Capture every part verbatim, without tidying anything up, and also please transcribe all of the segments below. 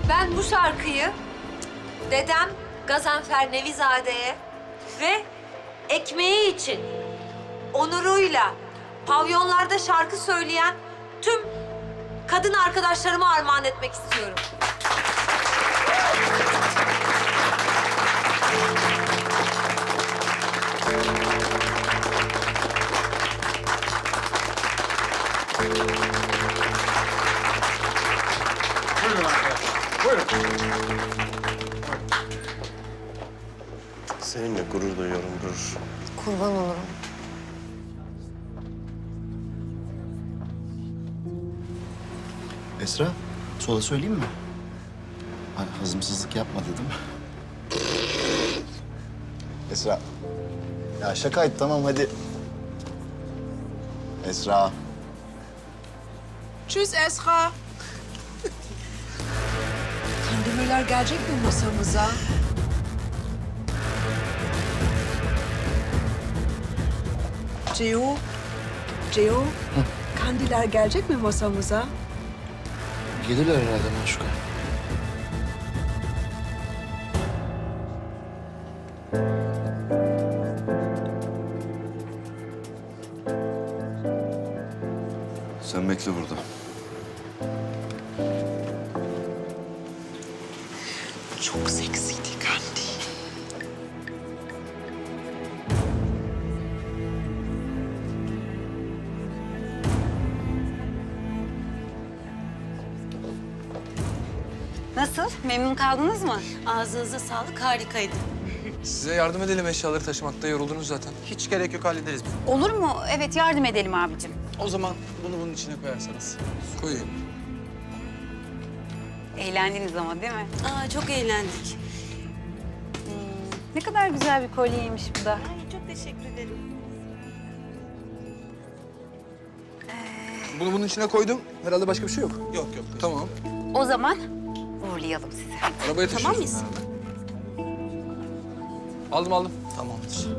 Ben bu şarkıyı dedem Gazanfer Nevizade'ye ve ekmeği için onuruyla pavyonlarda şarkı söyleyen tüm kadın arkadaşlarıma armağan etmek istiyorum. Buyurun arkadaşlar. Buyurun. Seninle gurur duyuyorum, gurur. Kurban olurum. Esra, sola söyleyeyim mi? Hani hazımsızlık yapma dedim. Esra. Ya şakaydı tamam hadi. Esra. Tschüss Esra. Kandemirler gelecek mi masamıza? Ceo, Ceo, kandiller gelecek mi masamıza? Gelirler herhalde Maşuka. Sen bekle burada. Çok seksiydi Kandi. Nasıl? Memnun kaldınız mı? Ağzınıza sağlık, harikaydı. Size yardım edelim, eşyaları taşımakta yoruldunuz zaten. Hiç gerek yok, hallederiz biz. Olur mu? Evet, yardım edelim abicim. O zaman bunu bunun içine koyarsanız. Koyayım. Eğlendiniz ama değil mi? Aa, çok eğlendik. Ne kadar güzel bir kolyeymiş bu da. Ay, çok teşekkür ederim. Bunu bunun içine koydum. Herhalde başka bir şey yok. Yok yok. Tamam. O zaman uğurlayalım sizi. Arabaya Tamam taşıyoruz. mıyız? Aldım aldım. Tamamdır.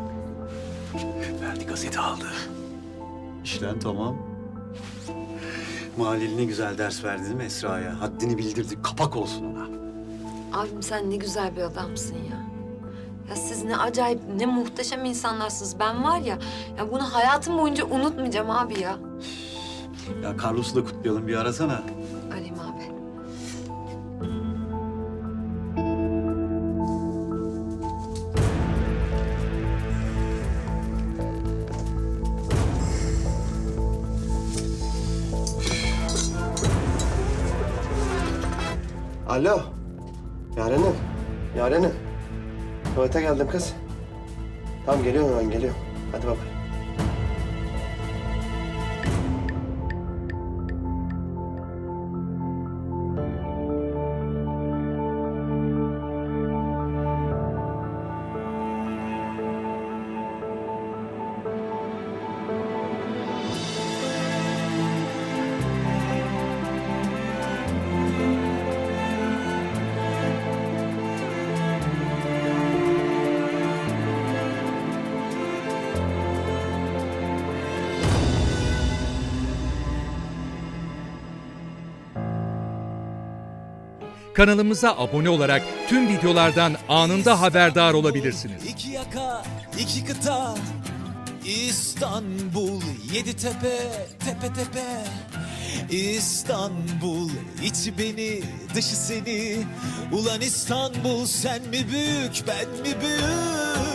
Ferdi gazete aldı. İşten tamam. Mahalleli ne güzel ders verdi değil mi Esra'ya? Haddini bildirdi. Kapak olsun ona. Abim sen ne güzel bir adamsın ya. Ya siz ne acayip, ne muhteşem insanlarsınız. Ben var ya, ya bunu hayatım boyunca unutmayacağım abi ya. Ya Carlos'u da kutlayalım, bir arasana. Arayayım abi. Alo. Yarenim. Yarenim. Tuvalete geldim kız. Tamam geliyorum hemen geliyorum. Hadi baba. Kanalımıza abone olarak tüm videolardan anında haberdar olabilirsiniz. İki yaka, iki kıta, İstanbul, yedi tepe, tepe tepe. İstanbul, içi beni, dışı seni. Ulan İstanbul, sen mi büyük, ben mi büyük?